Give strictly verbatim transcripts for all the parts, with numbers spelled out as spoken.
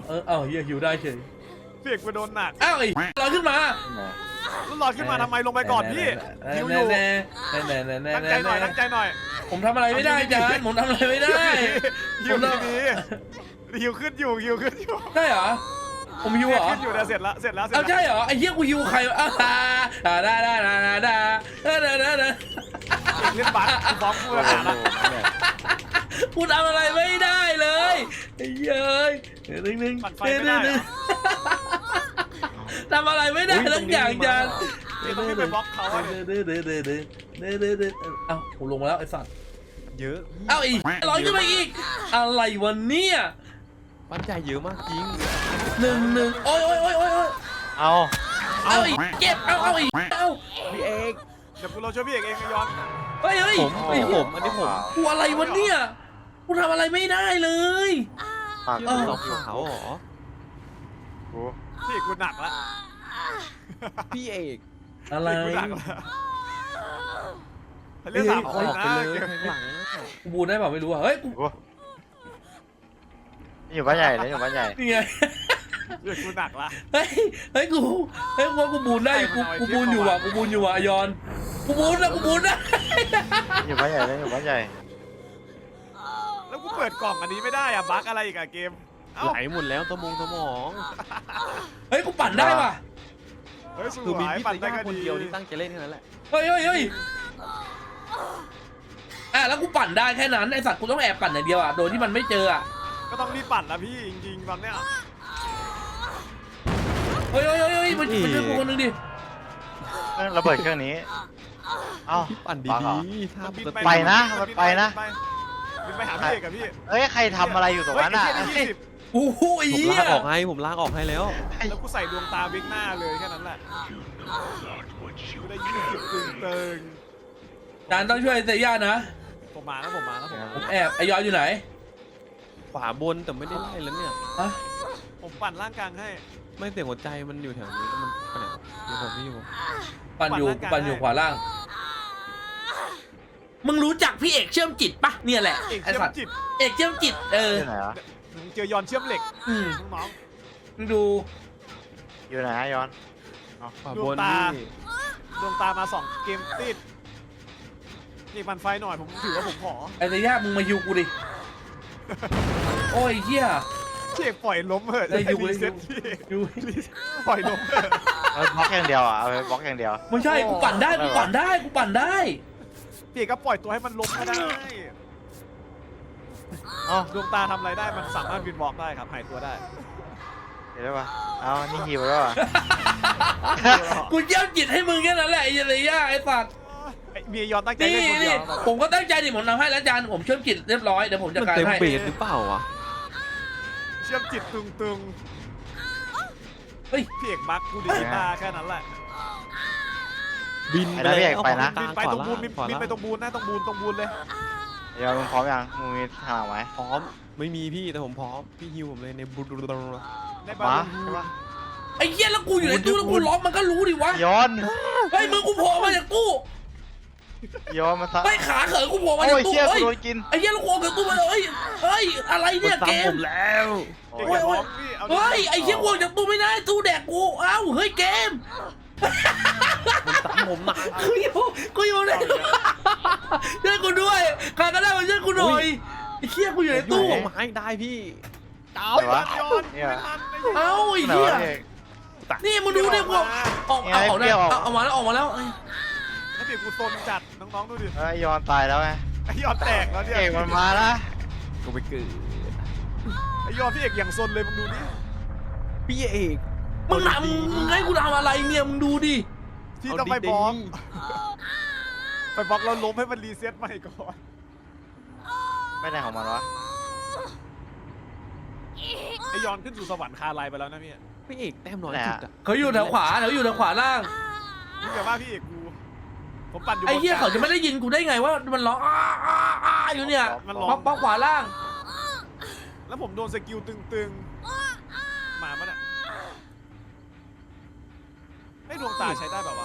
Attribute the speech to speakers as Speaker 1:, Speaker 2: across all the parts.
Speaker 1: เออเอ้าเฮียหิวได้เฉย
Speaker 2: เสียงกูโดนหนัก
Speaker 1: อ้าวไอ้ลอยขึ้นมา
Speaker 2: แล้วลอยขึ้นมาทำไมลงไปก่อนพี่หิวอยู่
Speaker 1: แน่แน่แน่แน่แน่
Speaker 2: ตั้งใจหน่อยตั้งใจหน่อย
Speaker 1: ผมทำอะไรไม่ได้จานผมทำอะไรไม่ได้
Speaker 2: หิวดีๆหิวขึ้นอยู่หิวขึ้นอยู่
Speaker 1: ได้เหรอผมหิวเหรอ
Speaker 2: ขึ้นอยู่นะเสร็จละเสร็จแล้วเสร็จ
Speaker 1: เอา
Speaker 2: แล้ว
Speaker 1: ใช่เหรอไอ้เหี้ยกูหิวใครวะอ้าวได้ได้ได้ได้ได้ได้ได้ได้ได้
Speaker 2: เล่นบัตรกูฟ้องกูแล้วนะ
Speaker 1: กูทำอะไรไม่ได้เลยไอ้เย้ยหนึ่งหนึ่ง
Speaker 2: ปั่นไฟไม่ได้เหรอ
Speaker 1: ทำอะไรไม่ได้ทั้งอย่างจาน
Speaker 2: ต้องขึ้นไปบล็อกเขาอะเนี่ย
Speaker 1: เด้อเด้อเด้อเด้อเด้อเด้อเด้อเอ้าผมลงมาแล้วไอ้สัตว์
Speaker 3: เยอะ
Speaker 1: เอ้าอีกร้อยขึ้นมาอีกอะไรวันเนี้ย
Speaker 3: ปั้นใหญ่เยอะมากจริง
Speaker 1: หนึ่งหนึ่งโอ้ยโอ้ยโอ้ยโอ้ย
Speaker 4: เอา
Speaker 1: เอาอีกเก็บเอาเอาอีกเอา
Speaker 3: พี่เอก
Speaker 2: เดี๋ยวกูเราช่วยพี่เอกเองไอ้ย้อน
Speaker 1: เฮ้ยเฮ้ย
Speaker 3: ผม
Speaker 1: ไอ้
Speaker 3: ผ
Speaker 1: เหี้ย
Speaker 3: มอันนี้ผม
Speaker 1: กูอะไรวะเนี่ยกูทำอะไรไม่ได้เลย
Speaker 4: ปาก
Speaker 3: ชื่
Speaker 1: เอ
Speaker 3: อ
Speaker 1: อ
Speaker 3: ขาวขาวๆเหรอ
Speaker 4: กู
Speaker 2: พี่เอกกูหนักละ
Speaker 3: พี่เอก
Speaker 1: อะไร
Speaker 2: พี่เอกกูหนักละเรื่องสาม
Speaker 3: เอา
Speaker 2: ค
Speaker 3: อน อก
Speaker 2: นะ
Speaker 3: ไปเลย
Speaker 2: เกม
Speaker 3: ข้างหลัง
Speaker 1: กูบูนได้เปล่าไม่รู้อะเฮ้ยกู
Speaker 4: กูนี่อยู่บ้านใหญ่เลยอยู่บ้านใหญ่
Speaker 1: นี่ไง
Speaker 2: เรื่องกูหนักละ
Speaker 1: เฮ้ยเฮ้ยกูเฮ้ยกูว่ากูบูนได้อยู่กูกูบูนอยู่ว่ะกูบูนอยู่ว่ะยอนกูบูนนะกูบูนนะ
Speaker 4: อยู่บ้านใหญ่เลยอยู่บ้านใหญ่
Speaker 2: แล้วกูเปิดกล่องอันนี้ไม่ได้อะบั๊กอะไรอีกอะเกมเอ้า
Speaker 3: ไหลหมดแล้วสมองสมอง
Speaker 1: เฮ้ยกูปั่นได้ว่ะ
Speaker 2: เฮ้ยส
Speaker 3: คือ
Speaker 2: ว
Speaker 3: มี
Speaker 2: ย
Speaker 3: พี่
Speaker 2: ปั่น
Speaker 3: ตะ
Speaker 2: ได้
Speaker 3: ย่า
Speaker 2: ก็
Speaker 3: คน
Speaker 2: ดี
Speaker 3: เดียวที่ตั้งใจเล่นแค่นั้นแหละ
Speaker 1: เฮ้ยเฮ้ยเฮ้ยอ่ะแล้วกูปั่นได้แค่นั้นไอสัตว์กูต้องแอบปั่นอย่างเดียวอ่ะโดยที่มันไม่เจออ่ะ
Speaker 2: ก็ต้องรีบปั่นละพี่จริงๆตอนเนี้ย
Speaker 1: เฮ้ยเฮ้ยเฮ้ยเฮ้ยมันมันช่วยกูคนนึงดิ
Speaker 4: เครื่องระเบิดเครื่องนี้เอ้า
Speaker 3: พี่ปั่น
Speaker 4: บังเหรอ
Speaker 3: ดีๆถ้า
Speaker 2: บิ
Speaker 3: ปก
Speaker 2: ไป
Speaker 3: ติ
Speaker 4: ไปนะมันไปนะ
Speaker 2: บินไปหาพี่เอกกับพี่
Speaker 4: เอ้ยใครทำอะไรอยู่ตรงนั้นอ่ะ
Speaker 2: เฮ้ยไอ้เหี้ยได้ยี่สิบ
Speaker 1: โอ้โหไอ้
Speaker 3: ผม
Speaker 1: เหี้ย
Speaker 3: ลากออกให้ผมลากออกให้แล้ว
Speaker 2: แล้วกูใส่ดวงตาบิ๊กหน้าเลยแค่นั้นแหละกูได้ยี่สิบตึงเติง
Speaker 1: จานต้องช่วยเซย่านะ
Speaker 2: ผมมาแล้วผมมาแล้วผมมา
Speaker 1: ผมแอบไอยอนอยู่ไหน
Speaker 3: ขวาบนแต่ไม่ได้ไล่แล้วเนี่ย
Speaker 1: ฮะ
Speaker 2: ผมปั่นร่างกลางให้
Speaker 3: ไม่เสียงหัวใจมันอยู่แถวนี้แล้วมันไปไหนเดี๋ยวผมไม่อยู่
Speaker 1: ปั่นอยู่ปั่นอยู่ขวาล่างมึงรู้จักพี่เอกเชื่อมจิตปะเนี่ยแหละ
Speaker 2: เอก
Speaker 1: ไอ
Speaker 2: เชื่อ
Speaker 1: สั
Speaker 2: ม
Speaker 1: ตว์
Speaker 2: จิต
Speaker 1: เอกเชื่อมจิตเออ
Speaker 4: อยู่ไหนวะ
Speaker 2: มึงเจอยอนเชื่อมเหล็ก
Speaker 1: อืม
Speaker 2: น้อง
Speaker 1: มึงดู
Speaker 4: อยู่ไหนอะย้อน
Speaker 3: ขวา
Speaker 2: ด
Speaker 3: บ
Speaker 2: วง
Speaker 3: น
Speaker 2: ตา
Speaker 3: นี่
Speaker 2: ดวงตามาสองเกมติดนี่ปั่นไฟหน่อยผมถือว่าผมขอ
Speaker 1: ไอเซย่ามึงมายูกูดิโอ้ยเหี้ย
Speaker 2: พี่เอกปล่อยล้มเถอะ
Speaker 1: ได้อยู่
Speaker 2: รีเซ็ต
Speaker 1: ได้
Speaker 2: พี่
Speaker 1: ยู
Speaker 2: ปล่อยล้มเถอะ
Speaker 4: เอาบล็อกอย่างเดียวอ่ะเอาไปบล็อกอย่างเดียว
Speaker 1: ไม่ใช่กูปั่นได้กูปั่นได้กูปั่นได้
Speaker 2: พี่เอกก็ปล่อยตัวให้มันล้มก็ได้
Speaker 4: เอ้า
Speaker 2: ดวงตาทำอะไรได้มันสามารถบินบล็อกได้ครับหายตัวได้
Speaker 4: เดี๋ยวได้ปะเอานี่หิวแล้วอ่ะ
Speaker 1: กูเยี่ยมจิตให้มึงแค่นั้นแหละไอ้เซย่าไอ้สัตว์
Speaker 2: ไอ้เมียยอนตั้งใจ
Speaker 1: นี่
Speaker 2: เล่นคนเดี
Speaker 1: นี่
Speaker 2: ยว
Speaker 1: ผมก็ตั้งใจดิผมทำให้แล้วจานผมเชื่อมจิตเรียบร้อยเดี๋ยวผมจัด
Speaker 3: มัน
Speaker 1: การ
Speaker 3: เต็ม
Speaker 1: ให้
Speaker 3: เบสหรือเปล่าวะ
Speaker 2: เชื่อมจิตตึงตึง
Speaker 1: เฮ้ย
Speaker 2: ๆพี่เอกบักกูดีตาแค่นั้นแหละ
Speaker 3: บิน
Speaker 4: ไปนะพี่เอกไปนะ
Speaker 2: บินไปตรงบูนบินบินไปตรงบูนนะตรงบูนตรงบูนเลย
Speaker 4: ย้อนมึงพร้อมยังมึงมีทางไหม
Speaker 3: พร้อมไม่มีพี่แต่ผมพร้อมพี่ฮิวผมเลยในบูดู
Speaker 2: ในบา
Speaker 4: มา
Speaker 2: ลู
Speaker 4: ใช่ปะ
Speaker 1: ไอ้เหี้ยแล้วกูอยู่ในตู้แล้วกูล็อกมันก็รู้ดิวะ
Speaker 4: ย้อน
Speaker 1: เฮ้ยมึงกูโผล่มาจากตู้
Speaker 4: ย้อนมาซะ
Speaker 1: เฮ้ยขาเขอกูโผล่มา
Speaker 4: โอ้
Speaker 1: จาก
Speaker 4: ย
Speaker 1: ตู้
Speaker 4: เชี่ย
Speaker 1: เฮ้
Speaker 4: กู
Speaker 1: ย
Speaker 4: โดนกิน
Speaker 1: ไอ้เหี้ยแล้วกูออกจากตู้มาเลยเฮ้ยเฮ้ยอะไรเนี่ยเกม
Speaker 3: ผมแล้ว
Speaker 4: โอ้
Speaker 2: เก่ง
Speaker 4: ย
Speaker 2: กับน้องพี่เอาดิ
Speaker 1: เฮ้ยไอ้เหี้ยกูออกจากตู้ไม่ได้ตู้แดกกูเอ้าเฮ้ยเกม
Speaker 3: มันตามผมหนัก
Speaker 1: กูอยู่กูอยู่ในตู้ช่วยกูด้วยใครก็ได้มาช่วยกูหน่อยไอ้เหี้ยกูอยู่ใน
Speaker 3: ตู้
Speaker 1: ตู้
Speaker 3: ไม้ได้พี่
Speaker 4: ไหนวะ
Speaker 2: ยอน
Speaker 4: เนี่ย
Speaker 2: ไม่ทันไม่ทัน
Speaker 1: เอ้าไอ้
Speaker 4: ไหน
Speaker 1: เหี้ยว
Speaker 4: ะพี่
Speaker 1: นี่มึงดูดิกูออกเอาออกได้เอาเอามาแล้วออกมาแล้ว
Speaker 2: ไอ้เปียกกูซนจัดน้องๆดูดิ
Speaker 4: เอ้ยย้อนตายแล้วไง
Speaker 2: ไอ้ยอนแตกแล้วเนี่ย
Speaker 4: เอกมันมาละ
Speaker 3: กูไปเกิด
Speaker 2: ไอ้ยอนพี่เอกอย่างซนเลยมึงดูดิ
Speaker 3: พี่เอก
Speaker 1: มึงทำมึงให้กูทำอะไรเนี่ยมึงดูดิ
Speaker 2: ที่ต้องไปบล็อกไปบล็อกแล้วล้มให้มันรีเซ็ตใหม่ก่อน
Speaker 4: ไม่ได้ของมันวะ
Speaker 2: ไอ้ยอนขึ้นสู่สวรรค์คาไลไปแล้วนะพี่
Speaker 3: พี่เอกแต้มน้อยจุดอะ
Speaker 1: เขาอยู่แถวขวาเขาอยู่แถวขวาล่าง
Speaker 2: มึงอย่าว่าพี่เอกกูผมปั่นอยู่บน
Speaker 1: ไอ้เหี้ยเขาจะไม่ได้ยินกูได้ไงว่ามันร้องอ้าอ้าอ้าอยู่เนี่ย
Speaker 2: มันร้อง
Speaker 1: ป๊อปป๊อปขวาล่าง
Speaker 2: แล้วผมโดนสกิลตึงๆ มาปะเนี่ยไอ้ดวงตาใช้ได้แบบวะ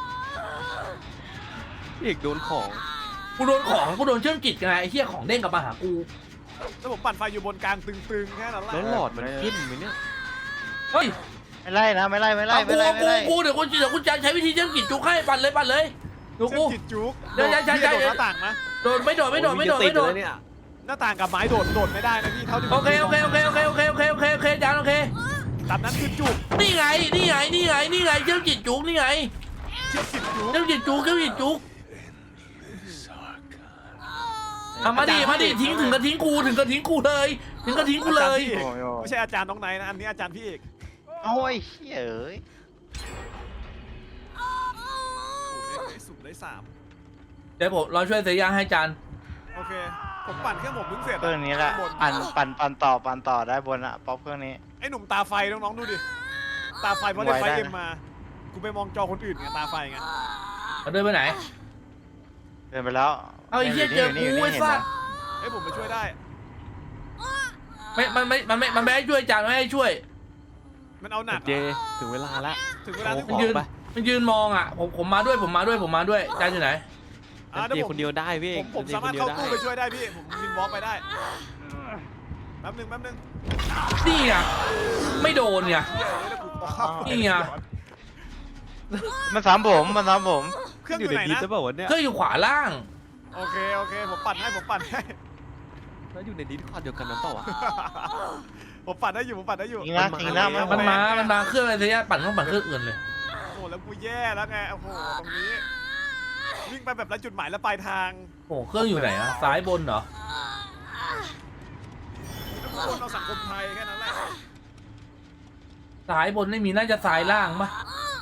Speaker 3: พี่เอกโดนของ
Speaker 1: กูโดนของกูโดนเชื่อมจิตไงไอ้เหี้ยของเด้งกลับมาหากู
Speaker 2: แล้วผมปั่นไฟอยู่บนกลางตึงๆ แค่นั้นแหละ
Speaker 3: แล้วหลอดมันขึ้นไหมเนี่ย
Speaker 1: เฮ้ย
Speaker 4: ไม่ไล่นะไม่ไล่ไม่ไล่
Speaker 1: เอา
Speaker 4: ไม่
Speaker 1: กู
Speaker 4: ไล่
Speaker 1: เอา
Speaker 4: ไม่
Speaker 1: กู
Speaker 4: ไล่
Speaker 1: กูเดี๋ยวกูเดี๋ยวกูจะใช้วิธีเชื่อมจิตจุกให้ปั่นเลยปั่นเลยดู
Speaker 2: เชื่อ
Speaker 1: กู
Speaker 2: มจิตจุก
Speaker 1: เดี๋ยว
Speaker 2: โด
Speaker 1: ใช่
Speaker 2: ด
Speaker 1: ใช่
Speaker 2: พี่
Speaker 1: ใช่
Speaker 2: โดดหน้าต่างนะ
Speaker 1: โดนไม่โดนไม่โดนไม่โดนไม่โดน
Speaker 3: เนี่ย
Speaker 2: หน้าต่างกับไม้โดดโดดไม่ได้นะพี่เท่าที่ผม
Speaker 1: โอเคโอเคโอเคโอเคโอเคโอเคโอเคโอเคจานโอเค
Speaker 2: ตามนั้นคือจุก
Speaker 1: นี่ไงนี่ไงนี่ไงนี่ไงเชื่อมจิตจุกนี่ไง
Speaker 2: เชื่อมจิตจุก
Speaker 1: เชื่อมจิตจุกเชื่อมจิตจุกเอามาดิมาดิทิ้งถึงกระทิ้งกูถึงกระทิ้งกูเลยถึงกระทิ้งกูเลย
Speaker 2: อาจารพี่อกไม่ใช่อาจารย์น้องไนท์นะอันนี้อาจารย์พี่เอก
Speaker 4: โอ้ยเฮ้ยเอ้ย
Speaker 2: สูบได้สูบได้สาม
Speaker 1: เดี๋ยวผมเราช่วยเสียยาให้จาน
Speaker 2: โอเคผมปั่นเครื่องผมเพิ่งเสร็จ
Speaker 4: เครื่องนี้แหละ
Speaker 2: บน
Speaker 4: ปั่นปั่นปั่นต่อปั่นต่อได้บนอะป๊อปเครื่องนี้
Speaker 2: ไอ้หนุ่มตาไฟน้องๆดูดิตาไฟเพราะเล่นไฟเอ็มมากูไปมองจอคนอื่นไงตาไฟไง
Speaker 1: เอาเดินไปไหน
Speaker 4: เดินไปแล้ว
Speaker 1: เอาไอ้เหี้ยเจอกูไอ้สัส
Speaker 2: เฮ้ยผมไปช่วยได้
Speaker 1: ไม่มันไม่มันไม่มันไม่ให้ช่วยจานไม่ให้ช่วย
Speaker 2: มันเอาหนัก
Speaker 3: เจถึงเวลาละ
Speaker 2: ถึงเวลาที่
Speaker 3: ข
Speaker 2: ผ
Speaker 3: อ
Speaker 2: ม
Speaker 1: ยืน
Speaker 3: ไป
Speaker 1: มันยืนมองอ่ะผมผมมาด้วยผมมาด้วยผมมาด้วยจานอยู่ไหน
Speaker 2: อ่า
Speaker 3: เจ
Speaker 2: เดี๋ยวผ
Speaker 3: ค
Speaker 2: ม
Speaker 3: นเดียวได้พี่
Speaker 2: ผมผม
Speaker 3: เจ
Speaker 2: สามารถ
Speaker 3: คนดีย
Speaker 2: เข้าว
Speaker 3: ได้
Speaker 2: ตู้ไปช่วยได้พี่ผมวินวอล์กไปได้แป๊บนึงแป๊บนึง
Speaker 1: นี่ไงไม่โดนไง
Speaker 2: เดี๋ยวเดี๋ยวกู
Speaker 1: นี่ไง
Speaker 4: มันซ้ำผมมันซ้ำผม
Speaker 2: เครื่องอ
Speaker 3: อยู่
Speaker 2: ยู่
Speaker 3: ใน
Speaker 2: ไหน
Speaker 3: ดิส
Speaker 2: นะ
Speaker 3: หรือเปล่าวะเนี่ย
Speaker 1: เครื่องอยู่ขวาล่าง
Speaker 2: โอเคโอเคผมปั่นให้ผมปั่นให้
Speaker 3: แล้วอยู่ในดิสคอร์ดเดียวกันนั้นเปล่าวะ
Speaker 2: ผมปั่นได้อยู่ผมปั่นได้อยู่
Speaker 4: จริงนะจริงนะ
Speaker 1: มันมา มันมาเครื่องอะไรเสียปั่นต้องปั่นเครื่องอื่นเลย
Speaker 2: โอ้โหแล้วกูแย่แล้วไงโอ้โหตรงนี้วิ่งไปแบบไร้จุดหมายแล้วปลายทาง
Speaker 1: โอ้เครื่องอยู่ไหนอะซ้ายบนเหรอ
Speaker 2: ทุกคนเอาสังคมไทยแค่นั้นแหละ
Speaker 1: ซ้ายบนไม่มีน่าจะซ้ายล่างปะ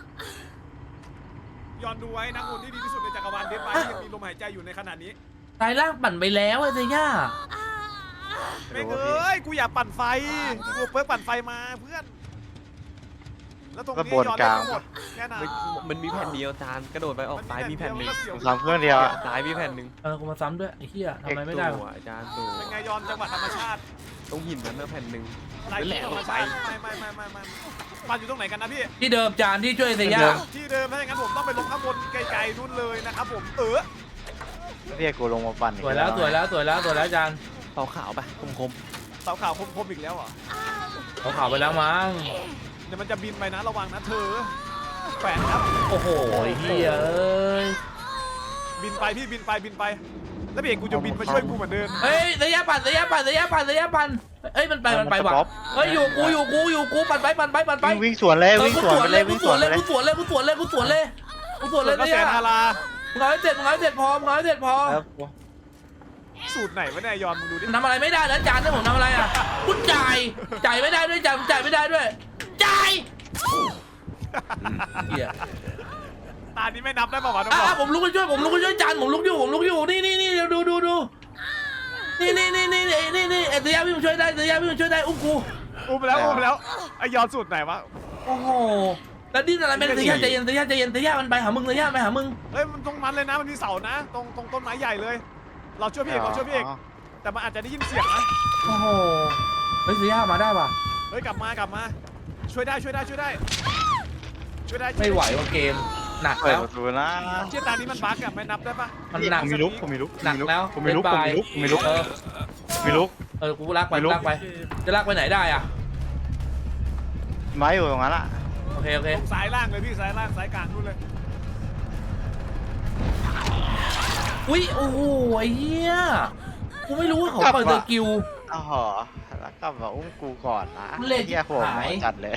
Speaker 2: ย้อนดูไว้นักบุญที่ดีที่สุดในจักรวาลเดนมาร์กยังมีลมหายใจอยู่ในขณะนี้
Speaker 1: ซ้ายล่างปั่นไปแล้วไอ้เสีย
Speaker 2: ไม่เอ้ยกูอยากปั่นไฟกูเพิ่งปั่นไฟมาเพื่อนแล้วตรงนี้ย้อนได้ทั้งหมดแค่นั้น
Speaker 3: มันมันมีแผ่นเดียวจานกระโดดไปออกซ้ายมีแผ่นหนึ่ง
Speaker 4: ซ้ำเครื่องเดียวอะ
Speaker 3: ซ้ายมีแผ่นหนึ่ง
Speaker 1: เออกูมาซ้ำด้วยไอ้เหี้ยทำไมไม่ได้
Speaker 3: ตัว
Speaker 1: วะ
Speaker 3: อาจารย์ตัว
Speaker 2: เป็นไงย้อนจังหวัดธรรมชาติ
Speaker 3: ตรงหินนั้นนะแผ่นหนึ่ง
Speaker 2: ไร
Speaker 3: นั่นแหละ
Speaker 2: ธรรมชาติไม่ไม่ไม่ไม่ไม่ปั่นอยู่ตรงไหนกันนะพี่
Speaker 1: ที่เดิมจานที่ช่วยเสีย
Speaker 2: ที่เดิมถ้าอย่างนั้นผมต้องไปลงข้างบนไกลๆนู่นเลยนะครับผมเออ
Speaker 4: เรียกกูลงมาปั่นอีก
Speaker 1: สวยแล้วสวยแล้วสวยแล้วสวยแล้วจาน
Speaker 3: เตาขาวไปคมคม
Speaker 2: เสาขาวคมๆอีกแล้วเหรอ
Speaker 1: เขาข่าวไปแล้วมั้ง
Speaker 2: เดี๋ยวมันจะบินไปนะระวังนะเธอแขวนครับ
Speaker 1: โอ้โหไอ้เหี้ยเอ้ย
Speaker 2: บินไปพี่บินไปบินไป แล้วพี่เอกกูจะบินมาช่วยกูเหมือนเดิม
Speaker 1: เฮ้ยเสียปั่นเสียปั่นเสียปั่นเสียปั่นเอ้ยมันไปมันไปว่ะเฮ้ยอยู่กูอยู่กูอยู่กูปั่นไปปั่นไปปั่นไป
Speaker 4: วิ่งวิ่งสวนเลย
Speaker 1: เออ
Speaker 4: วิ่ง
Speaker 1: กู
Speaker 4: สวนไปเลย
Speaker 1: กู
Speaker 4: วิ่ง
Speaker 1: ส
Speaker 4: ส
Speaker 1: ว
Speaker 4: วน น
Speaker 1: เล
Speaker 4: ไป
Speaker 1: ย
Speaker 4: เลย
Speaker 1: กูสวนเลยกูสวนเลยกูสวนเลยกูสวนเลย
Speaker 2: ก็
Speaker 1: เนี่
Speaker 2: แส
Speaker 1: ย
Speaker 2: นฮารา
Speaker 1: มึงเอาให้เสร็จมึงเอาให้เสร็จพอมึงเอาให้เสร็จพอ
Speaker 4: ครับ
Speaker 2: สูตรไหนวะเนี่ยยอนมึงดูดิ
Speaker 1: ทำอะไรไม่ได้แล้วจานนี่ผมทำอะไรอ่ะกูจ่ายจ่ายไม่ได้ด้วยจ่ายจ่ายไม่ได้ด้วยจ่ายเหี้ย
Speaker 2: ตานี้ไม่นับได้ป่าวะน้อง
Speaker 1: อ่ะ
Speaker 2: บอ
Speaker 1: อ่ะผมลุกไปช่วยผมลุกไปช่วยจานผมลุกอยู่ผมลุกอยู่นี่นี่นี่เดี๋ยวดูดูดูนี่นี่นี่นี่นี่นี่นี่เอเสียพี่ผมช่วยได้เสียพี่ผมช่วยได้อุ้มกู
Speaker 2: อุ้มแล้วอุ้มแล้วไอยอนสูตรไหนวะ
Speaker 1: โอ้โหแล้วดิ้นอะไรไม่ได้เสียใจเย็นเสียใจเย็นเสียมันไปหามึงเสียไปหามึง
Speaker 2: เฮ้ยมันตรงนั้นเลยนะมันมีเสานะ ตรงตรงต้นไม้ใหญ่เลย เราช่วยพี่เอกเราช่วยพี่เอกแต่มันอาจจะได้ยินเสียงนะ
Speaker 1: โอ้โหเฮ้ยเสียมาได้ป่ะ
Speaker 2: เฮ้ยกลับมากลับมา ช่วยได้ช่วยได้ช่วยได้ช่วยได้
Speaker 1: ไม่ไหวว่ะเกมหนัก
Speaker 4: เปิด
Speaker 1: แล้ว
Speaker 4: ประตูนะ
Speaker 2: เชี่ยตานี้มันบั๊กอะไม่นับได้ปะ
Speaker 1: มันหนัก
Speaker 4: ผมมีลุกผมมีลุก
Speaker 1: หนักแล้ว
Speaker 4: ผมมีลุกผมมีลุกผมมีลุก
Speaker 1: เออ
Speaker 4: ผมมีลุก
Speaker 1: เออกูลากไป
Speaker 4: ไม่รู้
Speaker 1: ลากไปจะลากไปไหนได้อ่ะ
Speaker 4: ไม้อยู่ตรงนั้นอะ
Speaker 1: โอเคโอเค
Speaker 2: ตรงซ้ายล่างเลยพี่ซ้ายล่างซ้ายกลางนู่นเลย
Speaker 1: อุ้ยโอ้โหไอ้เหี้ยกูไม่รู้ว่าเขาเปิดสกิล
Speaker 4: อ๋อแล้วก็มาอุ้มกูก่อนนะ
Speaker 1: เล่น
Speaker 4: เฮียหัว
Speaker 1: หาย
Speaker 4: จัดเลย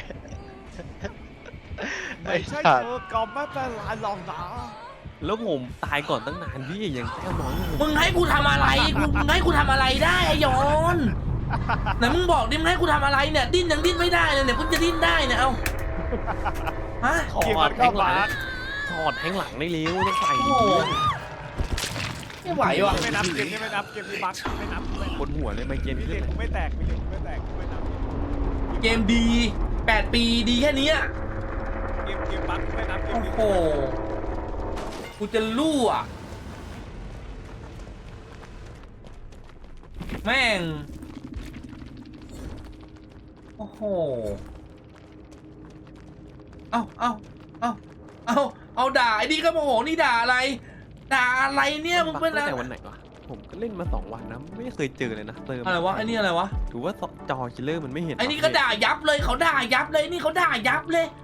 Speaker 2: ไม่ใช่เธอก็ไม่เป็นไรหรอกนะ
Speaker 3: แล้วผมตายก่อนตั้งนานพี่ยังแต้มน้อยอยู่
Speaker 1: มึงให้กูทำอะไรกูมึงให้กูทำอะไรได้ไอ้ยอนไหนมึงบอกดิมึงให้กูทำอะไรเนี่ยดิ้นยังดิ้นไม่ได้เลยเนี่ยกูจะดิ้นได้เนี่ยเอาฮะ
Speaker 3: ถอ
Speaker 2: เกม
Speaker 3: ด
Speaker 2: มัน
Speaker 3: แท
Speaker 2: ก็
Speaker 3: งหลั
Speaker 2: บั๊
Speaker 3: ง
Speaker 2: ก
Speaker 3: ถอดแทงหลังได้เร็วต้องใส่
Speaker 1: โอ้โหไม่ไหวว่ะ
Speaker 2: ไม่นับเกมนี้ไม่นับเกมนี้บั๊กไม่นับไม่
Speaker 3: บนหัวเลยไมเกรน
Speaker 2: มี
Speaker 3: ขึ้น
Speaker 2: เห
Speaker 3: เล
Speaker 2: ล็ก
Speaker 3: ย
Speaker 2: กูไม่แตกมีเหล็กกูไม่แตกกูไม่นับ
Speaker 1: เกมดีแปดปีดีแค่เนี้ย
Speaker 2: เกมเกมบั๊กกูไม่นับเกม
Speaker 1: โอ้
Speaker 2: นี้
Speaker 1: โหกูจะลู่อ่ะแม่งโอ้โหเอาเอาเอาเอาเอาด่าไอ้นี่ก็โมโหนี่ด่าอะไรด่าอะไรเนี่ยมึงเป็น
Speaker 3: ตั้ง
Speaker 1: อะไร
Speaker 3: แต่วันไหนวะผมก็เล่นมาสองวันนะไม่เคยเจอเลยนะเติม
Speaker 1: อะไรวะไอ้นี่อะไรวะ
Speaker 3: ถือว่าจอคิลเลอร์มันไม่เห็น
Speaker 1: ไอ้นี่ก็ด่ายับเลยเขาด่ายับเลยนี่เขาด่ายับเลย